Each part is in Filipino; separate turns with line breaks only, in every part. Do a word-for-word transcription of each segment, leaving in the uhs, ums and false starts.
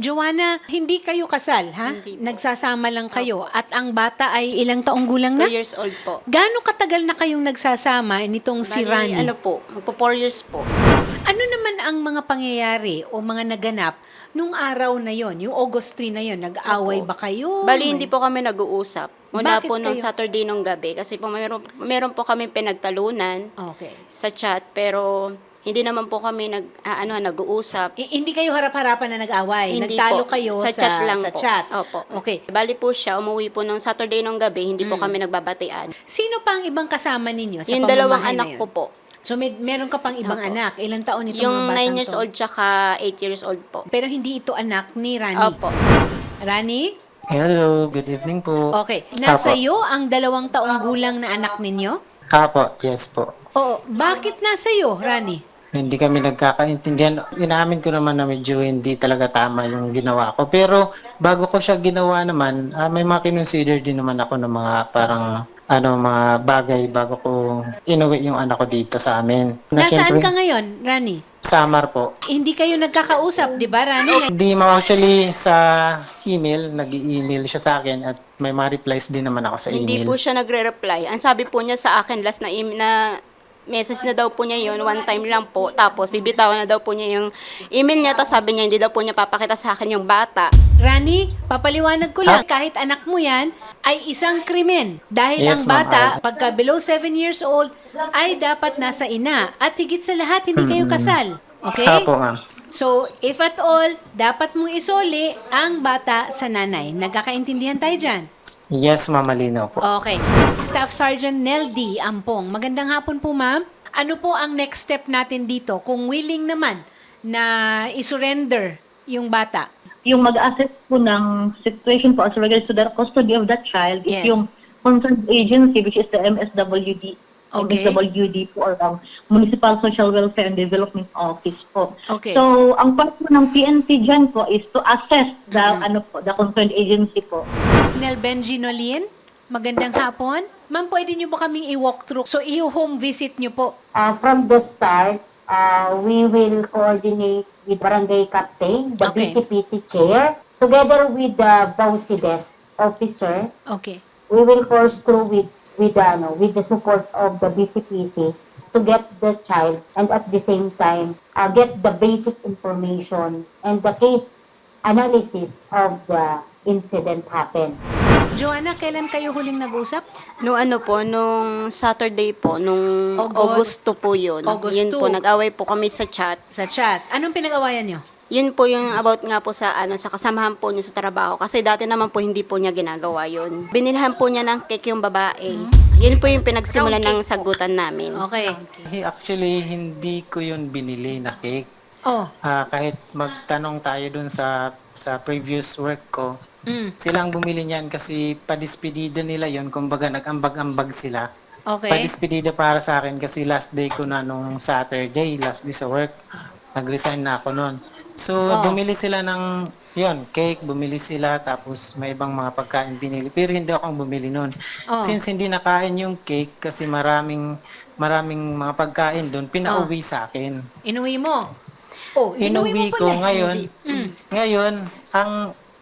Joanna, hindi kayo kasal, ha?
Hindi po.
Nagsasama lang kayo. At ang bata ay ilang taong gulang na?
Two years old po.
Gaano katagal na kayong nagsasama nitong si
Bali,
Rani?
ano po, magpo four years po.
Ano naman ang mga pangyayari o mga naganap nung araw na yon, yung August three na yon? Nag-away
Opo.
ba kayo?
Bali, hindi po kami nag-uusap. Muna
Bakit
po nung
kayo?
Saturday nung gabi. Kasi po meron, meron po kami pinagtalunan
Okay.
sa chat. Pero hindi naman po kami nag, ah, ano, nag-uusap.
I- hindi kayo harap-harapan na nag-away?
Hindi
Nagtalo
po.
kayo sa,
Sa chat lang
sa
po.
chat?
Opo.
Okay.
Bali po siya, umuwi po nung Saturday nung gabi. Hindi po
Mm.
kami nagbabatian.
Sino pa ang ibang kasama ninyo sa
Yung dalawang
pamamahay na
anak
yun?
ko po.
So may, meron ka pang ibang
Opo.
anak. Ilang taon itong mga
Yung
batang
nine years
to?
old tsaka eight years old po.
Pero hindi ito anak ni Rani.
Opo.
Rani?
Hello, good evening po.
Okay. Nasa
Apo.
iyo ang dalawang taong gulang na anak ninyo?
Apo, yes po.
Oo. Bakit nasa iyo, Rani?
Hindi kami nagkakaintindihan. Inaamin ko naman na medyo hindi talaga tama yung ginawa ko. Pero bago ko siya ginawa naman, ah, may mga kinonsider din naman ako ng mga parang ano mga bagay bago ko inuwi yung anak ko dito sa amin. Na
Nasaan
syempre,
ka ngayon, Rani?
Samar po.
Hindi kayo nagkakausap, di ba, Rani?
Hindi mo actually sa email, nag-i-email siya sa akin at may mga replies din naman ako sa
Hindi
email.
po siya nagre-reply. Ang sabi po niya sa akin, last na, im- na message na daw po niya yun, one time lang po. Tapos bibitawan na daw po niya yung email niya. Tapos sabi niya, hindi daw po niya papakita sa akin yung bata.
Rani, papaliwanag ko lang,
Ah.
kahit anak mo yan, ay isang krimen. Dahil
Yes,
ang
ma'am.
bata,
Ah.
pagka below seven years old, ay dapat nasa ina. At higit sa lahat, hindi kayo kasal. Okay?
Apo, ma'am.
So, if at all, dapat mong isoli ang bata sa nanay. Nagkakaintindihan tayo dyan?
Yes, ma'am, malinaw po.
Okay. Staff Sergeant Nel D. Ampong. Magandang hapon po, ma'am. Ano po ang next step natin dito? Kung willing naman na isurrender yung bata.
Yung mag-assess po ng situation po as regards to the custody of that child
Yes.
is yung concerned agency, which is the M S W D.
Okay.
M S W D po, or um, Municipal Social Welfare and Development Office po.
Okay.
So, ang part po ng P N P dyan po is to assess the,
Mm-hmm.
ano po, the concerned agency po.
Nel Benjinolin, magandang hapon. Ma'am, pwede niyo ba kaming i-walk through? So, i-home visit niyo po.
Uh, from the start, uh, we will coordinate with Barangay Captain, the
Okay.
B C P C Chair, together with the BAUSI desk officer.
Okay.
We will course through with with the, ano, with the support of the B C P C to get the child and at the same time uh, get the basic information and the case analysis of the incident happened.
Joanna, kailan kayo huling nag-usap?
Nung ano po, nung Saturday po, nung
August.
Augusto po yun.
August
Yun po,
two.
nag-away po kami sa chat.
Sa chat. Anong pinag-awayan niyo?
Yun po yung about nga po sa ano sa kasamahan po niya sa trabaho kasi dati naman po hindi po niya ginagawa yun. Binilhan po niya ng cake yung babae. Yun po yung pinagsimulan
Round
ng
cake po.
sagutan namin.
Okay.
Hey, actually, hindi ko yun binili na cake.
Oh.
Ah, kahit magtanong tayo dun sa sa previous work ko,
Mm.
silang bumili niyan kasi padispedida nila yon, kumbaga nag-ambag-ambag sila.
Okay.
Padispedida para sa akin kasi last day ko na nung Saturday, last day sa work. Nag-resign na ako noon. So,
Oh.
bumili sila ng yon, cake, bumili sila, tapos may ibang mga pagkain binili. Pero hindi ako ang bumili noon.
Oh.
Since hindi nakain yung cake kasi maraming maraming mga pagkain doon, pinauwi sa akin.
Inuwi mo? Oh, inuwi mo
Inuwi ko
pala.
ngayon.
Mm.
Ngayon, ang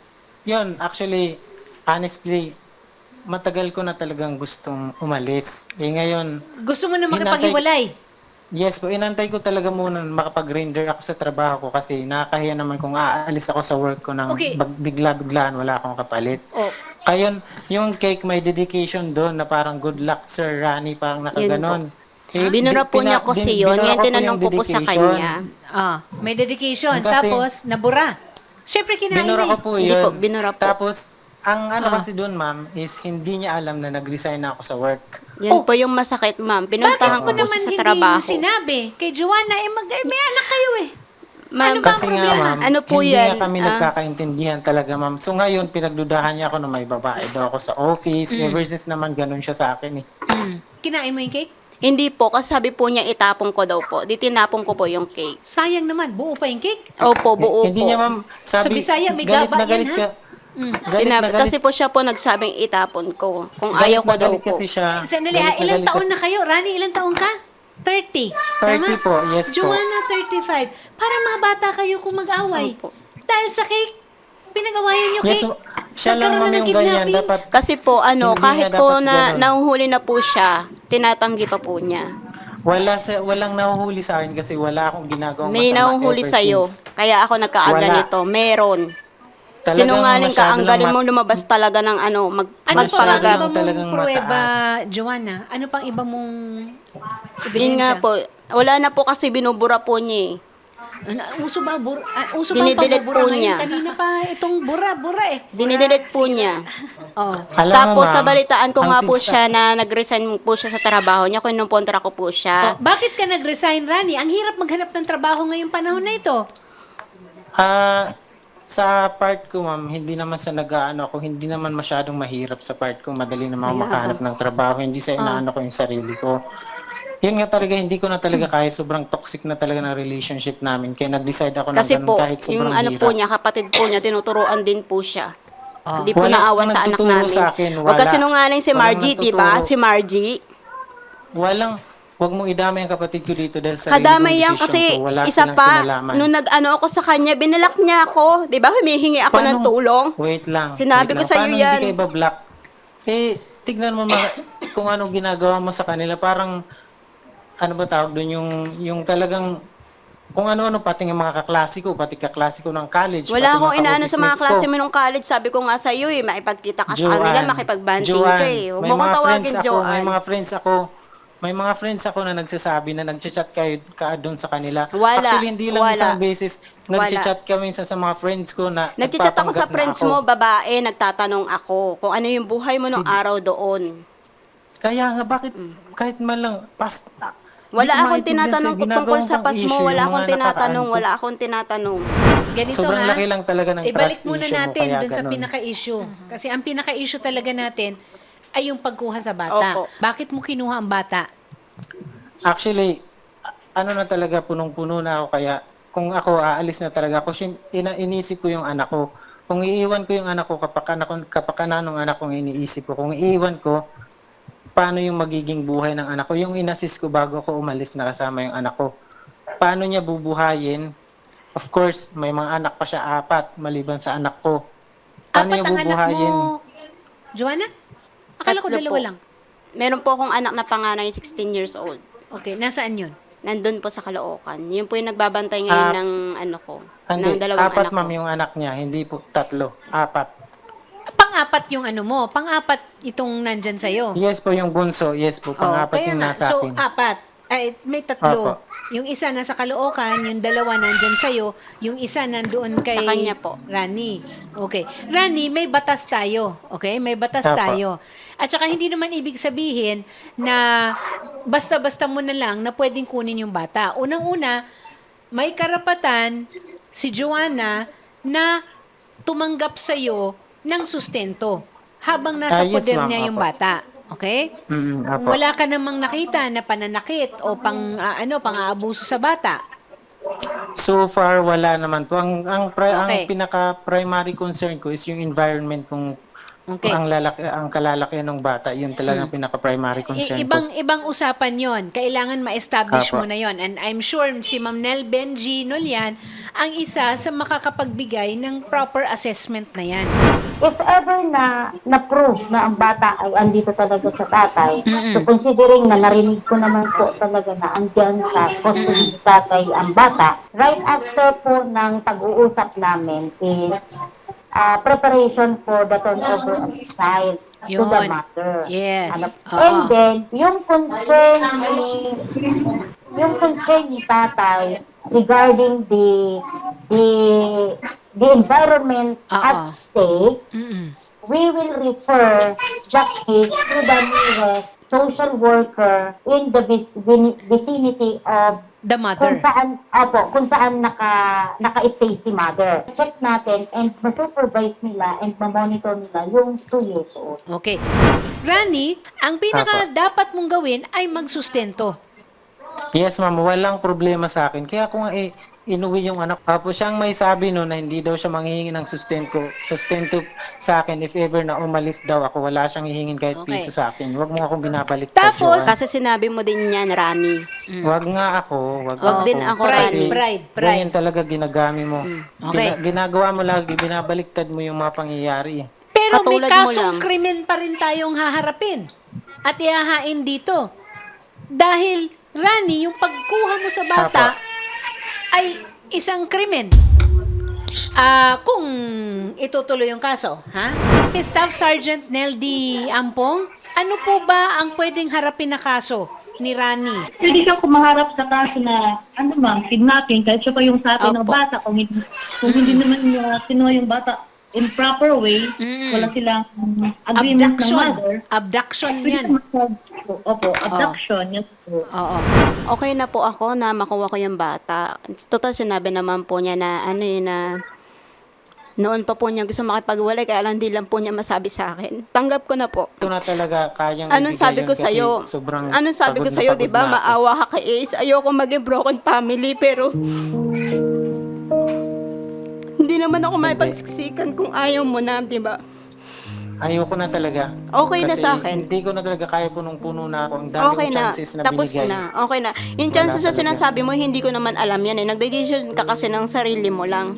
yun, actually, honestly, matagal ko na talagang gustong umalis. Eh ngayon,
Gusto mo na
Hinantay-
makipaghiwalay?
yes po, inantay ko talaga muna na makapag-render ako sa trabaho ko kasi nakakahiya naman kung aalis ako sa work ko ng
Okay.
bag- bigla-biglaan, wala akong kapalit.
Oh.
Kayon, yung cake may dedication doon na parang good luck Sir Rani, parang nakaganon. Eh,
Binura
di-
po niya
pina-
kasi
bin-
yun.
binura
Ngayon
ko po
tinanong
yung
ko po sa
dedication.
kanya.
Ah, may dedication.
Kasi-
Tapos, nabura. Siyempre, kinain
Binura
eh.
ko po
Hindi
yun.
po, binura po.
Tapos, ang ano
Ah.
kasi doon, ma'am, is hindi niya alam na nag-resign na ako sa work.
Yan
Oh.
po yung masakit, ma'am.
Bakit
Pinuntahan
mo
ko po
naman
siya sa
hindi
trabaho.
sinabi kay Joanna, eh, mag, eh, may anak kayo eh.
Ma'am,
Ano ba ang
Kasi nga,
problema?
ma'am,
Ano po
hindi
yan?
nga kami
Ah.
nagkakaintindihan talaga, ma'am. So ngayon, pinagdudahan niya ako na may babae daw ako sa office.
Mm.
Eh, versus naman ganun siya sa akin eh.
Mm. Kinain mo yung cake?
Hindi po, kasi sabi po niya itapon ko daw po. Di tinapon ko po yung cake.
Sayang naman, buo pa yung cake.
Opo, buo
hindi
po.
niya, ma'am,
Sa
sabi,
Bisaya, may
galit
gaba
na galit
yan,
ka.
ha? Mm.
Galit
Tinap-
na galit,
kasi po siya po nagsabing itapon ko. Kung
galit
ayaw ko
na
daw
galit
po.
kasi siya.
Sandali
Galit
ha, ilang
galit
taon
kasi-
na kayo? Rani, ilang taon ka? thirty.
thirty
Tama?
po, yes po.
Joanna, thirty-five. Para mga bata kayo kung mag-away.
Opo.
Dahil sa cake. pinag-awayan niyo,
Yes,
Kay?
siya lang
Nagkaroon
ma'am
na ng
yung ganyan.
kidnapping?
Dapat,
Kasi po, ano,
Hindi
kahit
na
po
dapat
na
ganun.
nahuhuli na po siya, tinatanggi pa po niya.
wala sa, walang nahuhuli sa akin kasi wala akong ginagawang
May
masama
nahuhuli
ever
sa'yo.
since.
Kaya ako nagkaaganito. Meron.
Talagang
Sinungaling ka,
masyado
ang
lang
galing
ma-
mo lumabas talaga ng ano, mag,
Ano pa ang
Masyado
magpanggap.
iba mong
talagang
pruweba,
mataas.
Joanna? Ano pang iba mong
Yun nga
ebidensya?
po, wala na po kasi binubura po niya eh.
Ano, uso ba, bur, ah, uso ba ang
Dinidelete
pambubura
po
ngayon?
niya.
Kanina pa itong bura-bura eh.
Dinidelete po niya.
Oh.
Alam mo,
Tapos sa
ma'am,
balitaan ko
ang
nga po
tigsa-
siya na nag-resign po siya sa trabaho niya, kinukontra ko po
Oh,
siya.
bakit ka nag-resign, Rani? Ang hirap maghanap ng trabaho ngayong panahon na ito.
Ah, sa part ko, ma'am, hindi naman sa nag-aano ako, hindi naman masyadong mahirap sa part ko. Madali naman ako makahanap ng trabaho. Hindi sa inaano ko yung sarili ko. Yun nga talaga, hindi ko na talaga kaya. Sobrang toxic na talaga ng relationship namin. Kaya nag-decide ako na
Kasi
ganun
po,
kahit sobrang
yung ano
hirap.
po niya, kapatid po niya, tinuturoan din po siya.
Oh.
Hindi po
Wala
naawa
akong
sa anak
nagtuturo
namin.
sa akin,
Huwag
wala.
kasi nungaling si
Walang
Margie, di ba?
nagtuturo.
Si Margie.
Walang, wag mong idamay ang kapatid ko dito dahil sa
Kadamay
sarili
yan
kong
kasi
desisyon ko. Wala
isa
silang
pa,
kinalaman.
nung nag-ano ako sa kanya, binalak niya ako. Di ba? Humihingi ako ng
Paano-
tulong.
Wait lang.
Sinabi
wait
ko
lang.
sa'yo
Paano
yan.
hindi ka iba-block? Eh, tignan mo mga, kung ano ginagawa mo sa kanila. Parang, ano ba tawag doon, yung, yung talagang, kung ano-ano, pati ng mga kaklasiko, pati kaklasiko ng college.
Wala
pati
akong inaano sa mga
ka-office
klase
mates
mo nung college. Sabi ko nga sa iyo eh, makipagkita ka sa
Joanne,
kanila, makipagbanding ka
Joanne,
eh. Huwag
may
mo kong
mga
tawagin,
friends ako,
Joanne.
May mga friends ako, may mga friends ako na nagsasabi na nagchat-chat kayo ka doon sa kanila.
Wala,
Actually, hindi lang
wala.
isang beses.
Wala.
Nagchat-chat kami sa, sa mga friends ko na
Nagchat ako sa
nagpapanggap na
friends
ako.
mo, babae, nagtatanong ako kung ano yung buhay mo nung
Si-
araw doon.
Kaya nga, bakit kahit man lang, pas, ah, di
Wala
ko
akong
maintindihan
tinatanong
sa'yo,
kung tungkol
ginagawa
sa
pang
pas
issue
mo,
yung
wala
mga
akong
nakaraan
tinatanong,
ko.
wala akong tinatanong.
Ganito
Sobrang
ha,
laki lang talaga ng
ibalik
trust
muna
issue mo,
natin
kaya
dun sa
ganun.
pinaka-issue. Kasi ang pinaka-issue talaga natin ay yung pagkuha sa bata.
Opo.
Bakit mo kinuha ang bata?
Actually, a- ano na talaga, punong-puno na ako, kaya kung ako aalis na talaga ako, sin- ina- inisip ko yung anak ko. Kung iiwan ko yung anak ko, kapakanan, kapakanan ng anak ko, iniisip ko. Kung iiwan ko, paano yung magiging buhay ng anak ko? Yung inassist ko bago ako umalis na kasama yung anak ko. Paano niya bubuhayin? Of course, may mga anak pa siya, apat, maliban sa anak ko. Paano
Apat
niya
ang anak
bubuhayin?
mo, Joanna? Akala ko
Tatlo
dalawa
po.
lang.
Meron po akong anak na panganay, sixteen years old.
Okay, nasaan yun?
Nandun po sa Caloocan. Yun po yung nagbabantay ngayon
Ah,
ng ano ko,
Hindi,
ng dalawang
apat
anak
ma'am
ko.
yung anak niya, hindi po tatlo, apat.
Pang-apat yung ano mo, pang-apat itong nandyan sa'yo.
Yes po yung bunso, yes po,
Oh,
pang-apat
kaya
yung
nga.
nasa
So,
akin.
apat. Ay, may tatlo.
Opo.
Yung isa nasa Caloocan, yung dalawa nandyan sa'yo, yung isa nandoon kay
Sa kanya po.
Rani. Okay. Rani, may batas tayo. Okay? May batas
Opo.
tayo. At saka hindi naman ibig sabihin na basta-basta mo na lang na pwedeng kunin yung bata. Unang-una, may karapatan si Joanna na tumanggap sa'yo ng sustento habang nasa
Ah, yes,
poder
ma'am.
niya yung
Opo.
bata. Okay?
Mm,
Kung
apo.
wala ka namang nakita na pananakit o pang ah, ano, pang-aabuso sa bata.
So far, wala naman po. Ang, ang, pri-
Okay.
ang pinaka-primary concern ko is yung environment kung
Okay.
ang, lalaki, ang kalalakihan ng bata. Yun talaga ang pinaka-primary concern
I-
ko.
ibang ibang usapan 'yon. Kailangan ma-establish
Apo.
mo na 'yon. And I'm sure si Ma'am Nel Benji Nolian ang isa sa makakapagbigay ng proper assessment na 'yan.
If ever na na-prove na ang bata ay andito talaga sa tatay, so considering na narinig ko naman po talaga na andyan sa custody ni tatay ang bata, right after po ng pag-uusap namin is uh, preparation for the turnover of the child to the
Yun.
mother.
Yes.
Ano,
Oo.
and then, yung concern ni yung concern ni tatay regarding the the the environment
Oo.
at stake,
Mm-mm.
we will refer that case to the nearest social worker in the vic- vin- vicinity of
The
kung
mother.
saan, opo, kung saan naka, naka-stay si mother. Check natin and ma-supervise nila and ma-monitor nila yung two years old.
Okay. Rani, ang pinaka dapat mong gawin ay magsustento.
Yes, ma'am. Walang problema sa akin. Kaya kung eh, inuwi yung anak. Tapos siyang may sabi no na hindi daw siya manghihingi ng sustento, sustento sa akin if ever na umalis daw ako. Wala siyang hihingin kahit
Okay.
piso sa akin. Huwag mo akong binabalik.
Tapos-
Kasi sinabi mo din yan, Rani.
Wag nga ako. Wag,
Wag din ako,
Pride,
Kasi
pride, pride.
ganyan talaga ginagami mo.
Okay.
Gina- ginagawa mo lagi, binabaliktad mo yung mga pangyayari. eh.
Pero may
Katulad mo
kasong
lang.
krimen pa rin tayong haharapin at ihahain dito. Dahil, Rani, yung pagkuha mo sa bata
Apo.
ay isang krimen. Ah, kung itutuloy yung kaso, ha? Staff Sergeant Neldy Ampong, ano po ba ang pwedeng harapin na kaso ni Rani?
Pwede siyang kumaharap sa kaso na, ano ma'am, kidnapping, kahit siya pa yung sa atin ng
Opo.
bata. Kung hindi, kung hindi naman uh, kinuha yung bata in proper way,
Mm.
wala silang um, agreement ng
Abduction.
mother.
Abduction
Pwede
yan.
siya mag- Opo, abduction. Yes po.
Oo.
Okay na po ako na makuha ko yung bata. Total, sinabi naman po niya na ano yun na noon pa po niya gusto makipagwalay kaya lang di lang po niya masabi sa akin. Tanggap ko na po.
Ito na talaga kayang
Anong
ibigay
sabi
yun
ko
kasi
sa'yo?
sobrang
Anong sabi ko
pagod na
sa'yo,
pagod
di ba?
na ako.
Maawa ka kay Ace. Ayoko maging broken family, pero hindi naman ako may pagsiksikan kung ayaw mo na, di ba?
Ayoko na talaga.
Okay na
Kasi
sa akin.
Hindi ko na talaga kaya punong-puno na ako. Ang dami
Okay
kong
na.
chances na,
Tapos
binigay.
na. Okay na. Yung chances na
talaga.
sinasabi mo, hindi ko naman alam yan eh. Nagde-decision ka kasi ng sarili mo lang.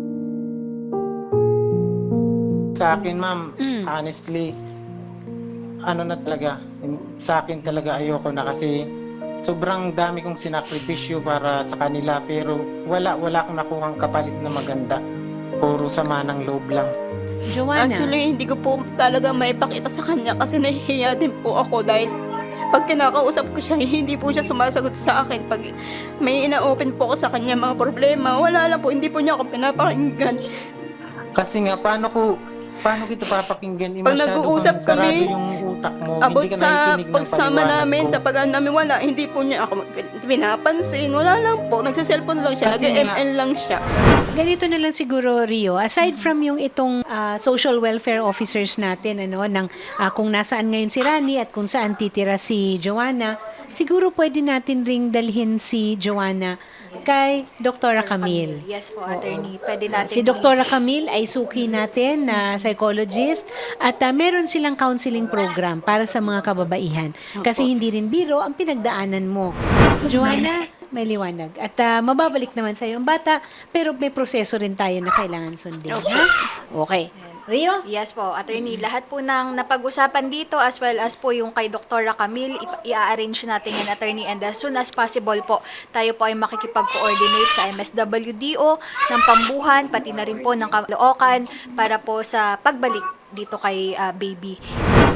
Sa akin, ma'am,
Mm.
honestly, ano na talaga, sa akin talaga ayoko na kasi sobrang dami kong sinakripisyo para sa kanila pero wala, wala akong nakuhang kapalit na maganda. Puro sama ng loob lang.
Joanna.
Actually, hindi ko po talaga maipakita sa kanya kasi nahihiya din po ako dahil pag kinakausap ko siya, hindi po siya sumasagot sa akin. Pag may ina-open po ako sa kanya mga problema, wala lang po, hindi po niya ako pinapakinggan.
Kasi nga, paano ko, paano kita papakinggan? Eh,
Pag
masyado
nag-uusap
bang sarado
kami,
yung utak mo.
About
hindi ka
sa
nakikinig ng
pagsama
paliwanag
namin,
ko.
sa pag namin wala, hindi po niya ako pin- pinapansin. Wala lang po, nagsa-cellphone lang siya,
Kasi
nag-M L lang siya.
Ganito na lang siguro, Rio. Aside from yung itong ah, social welfare officers natin, ano, ng, ah, kung nasaan ngayon si Rani at kung saan titira si Joanna, siguro pwede natin ring dalhin si Joanna kay Doktora Camille.
Yes po, attorney. Pwede natin
Si Doktora Camille ay suki natin na psychologist at ah, meron silang counseling program para sa mga kababaihan. Kasi hindi rin biro ang pinagdaanan mo. Joanna, may liwanag. At ah, mababalik naman sa ang bata, pero may proseso rin tayo na kailangan sundin. Ha? Okay. Rio?
Yes po, attorney. Lahat po ng napag-usapan dito as well as po yung kay Doktora Camille, i- i-arrange natin yan, attorney, and as soon as possible po, tayo po ay makikipag-coordinate sa M S W D O ng Pambuhan, pati na rin po ng Caloocan para po sa pagbalik dito kay ah, baby.